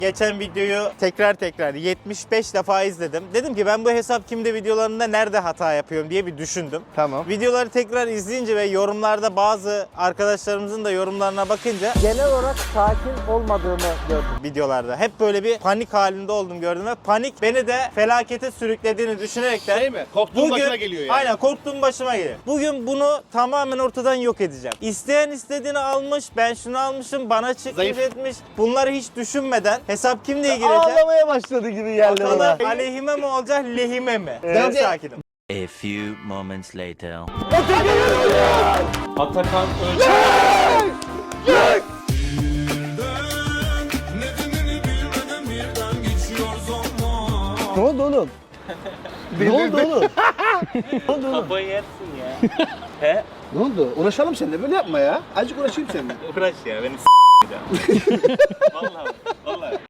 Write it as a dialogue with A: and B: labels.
A: Geçen videoyu tekrar 75 defa izledim. Dedim ki ben bu hesap kimde videolarında nerede hata yapıyorum diye bir düşündüm.
B: Tamam.
A: Videoları tekrar izleyince ve yorumlarda bazı arkadaşlarımızın da yorumlarına bakınca
C: Genel olarak sakin olmadığımı gördüm.
A: videolarda hep böyle bir panik halinde oldum gördüm ve panik beni de felakete sürüklediğini düşünerekten
B: Şey mi? Korktuğun başına geliyor yani.
A: Aynen, korktuğum başıma geliyor. Bugün bunu tamamen ortadan yok edeceğim. İsteyen istediğini almış, ben şunu almışım, bana çıkmış
B: Zayıf.
A: etmiş. Bunları hiç düşünmeden hesap kim diye girecek?
C: Ağlamaya başladı gibi geldi bana.
A: Bakalım aleyhime mi olacak, lehime mi? Ben sakinim.
D: A few moments later.
E: Atakan Öncü.
C: Ne oldu oğlum? Ne oldu oğlum? Ne oldu oğlum?
A: Kafayı yersin ya. He?
B: Ne oldu? Uğraşalım seninle. Böyle yapma ya. Azıcık uğraşayım seninle.
A: Uğraş ya, beni Vallahi.